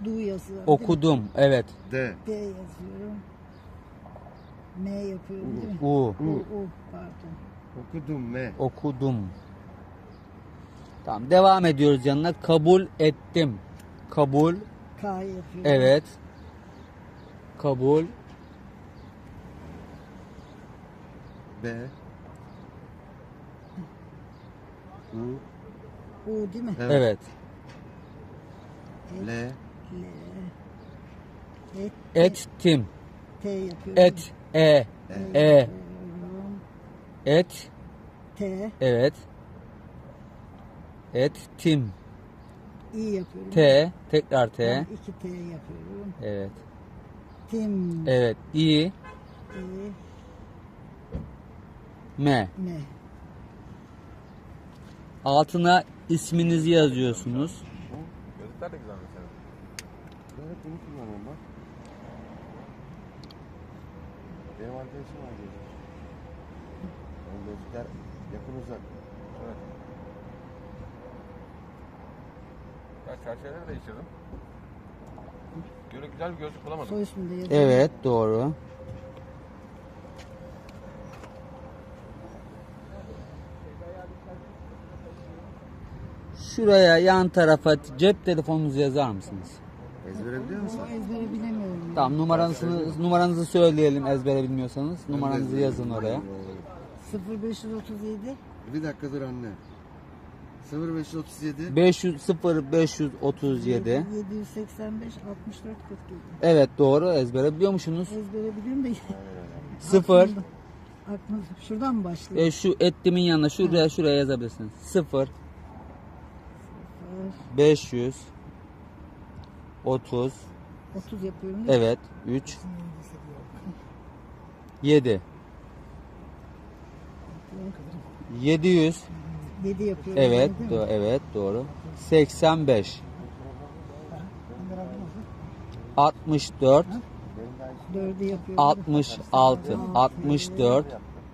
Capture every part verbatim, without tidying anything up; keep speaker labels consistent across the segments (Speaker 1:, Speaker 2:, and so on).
Speaker 1: Du yazıyorum.
Speaker 2: Okudum. Evet.
Speaker 3: D.
Speaker 1: D yazıyorum. M yapıyorum değil mi?
Speaker 2: U.
Speaker 1: U, U pardon.
Speaker 3: Okudum M.
Speaker 2: Okudum. Tamam. Devam ediyoruz yanına. Kabul ettim. Kabul.
Speaker 1: K yapıyorum.
Speaker 2: Evet. Kabul.
Speaker 3: B. U.
Speaker 1: U değil mi?
Speaker 2: Evet.
Speaker 3: L.
Speaker 1: L. Et.
Speaker 2: Ettim.
Speaker 1: T yapıyorum.
Speaker 2: Et. E.
Speaker 1: T
Speaker 2: E.
Speaker 1: yapıyorum.
Speaker 2: Et.
Speaker 1: T.
Speaker 2: Evet. Ettim.
Speaker 1: İ yapıyorum.
Speaker 2: T. Tekrar T.
Speaker 1: Ben iki T yapıyorum.
Speaker 2: Evet.
Speaker 1: Tim.
Speaker 2: Evet. İ.
Speaker 1: İ.
Speaker 2: M.
Speaker 1: M.
Speaker 2: Altına isminizi yazıyorsunuz.
Speaker 4: Gözlükler de güzel mesela.
Speaker 3: Ben hep bunu kullanıyorum bak. Benim arkadaşım var gözlük. Yani gözlükler yakın uzak.
Speaker 4: Evet. Ben çerçeveleri değiştirdim. Böyle güzel bir gözlük bulamadım.
Speaker 1: Soy ismini de yazıyorum.
Speaker 2: Evet, doğru. Şuraya yan tarafa cep telefonunuzu yazar mısınız?
Speaker 3: Ezbere biliyor musun?
Speaker 1: Ama ezbere bilemiyorum.
Speaker 2: Tamam, numaranızı numaranızı söyleyelim ezbere bilmiyorsanız. Numaranızı yazın oraya.
Speaker 1: sıfır beş otuz yedi.
Speaker 3: Bir dakika dur anne. sıfır beş otuz yedi.
Speaker 2: beş yüz sıfır beş otuz yedi.
Speaker 1: yedi yüz seksen beş altmış dört kırk yedi.
Speaker 2: Evet, doğru, ezbere biliyormuşsunuz.
Speaker 1: Ezbere biliyorum da
Speaker 2: sıfır.
Speaker 1: aklımda- aklımda. Şuradan mı başlıyor?
Speaker 2: E, şu ettimin yanına şuraya şuraya yazabilirsiniz. sıfır beş yüz otuz
Speaker 1: otuz yapıyorum. değil mi?
Speaker 2: evet üç yedi yedi yüz
Speaker 1: yedi yapıyorum.
Speaker 2: evet
Speaker 1: değil mi?
Speaker 2: do evet doğru seksen beş altmış dört
Speaker 1: dördü yapıyorum.
Speaker 2: altmış altı altmış dört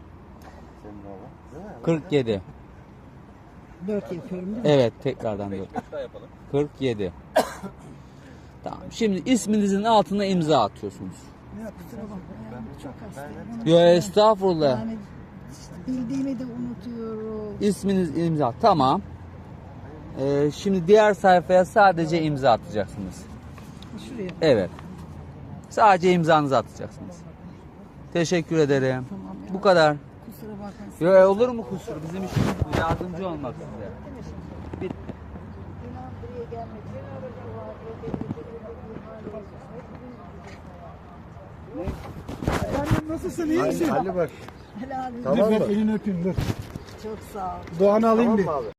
Speaker 2: kırk yedi
Speaker 1: dört yapıyorum değil mi?
Speaker 2: evet tekrardan dört
Speaker 4: Bir daha yapalım.
Speaker 2: kırk yedi. Tamam. Şimdi isminizin altına imza atıyorsunuz.
Speaker 1: Kusura bakma. Yani çok hastayım.
Speaker 2: Yo, estağfurullah.
Speaker 1: Yani işte bildiğimi de unutuyorum.
Speaker 2: İsminiz imza. Tamam. Ee, şimdi diğer sayfaya sadece imza atacaksınız.
Speaker 1: Şuraya.
Speaker 2: Evet. Sadece imzanızı atacaksınız. Teşekkür ederim.
Speaker 1: Tamam ya.
Speaker 2: Bu kadar.
Speaker 1: Kusura bakma.
Speaker 2: Yo, olur mu kusur? Bizim işimiz bu. Yardımcı olmak size. Bitti.
Speaker 1: İnan buraya gelmek. Ben aracım var.
Speaker 5: Efendim nasılsın, iyi misin?
Speaker 3: Ali bak.
Speaker 1: Helal olsun.
Speaker 3: Tamam
Speaker 5: Dur
Speaker 3: mı?
Speaker 5: ben elini öpeyim dur.
Speaker 1: Çok sağ ol.
Speaker 5: Doğan'ı alayım
Speaker 3: Tamam
Speaker 5: bir.
Speaker 3: mı abi?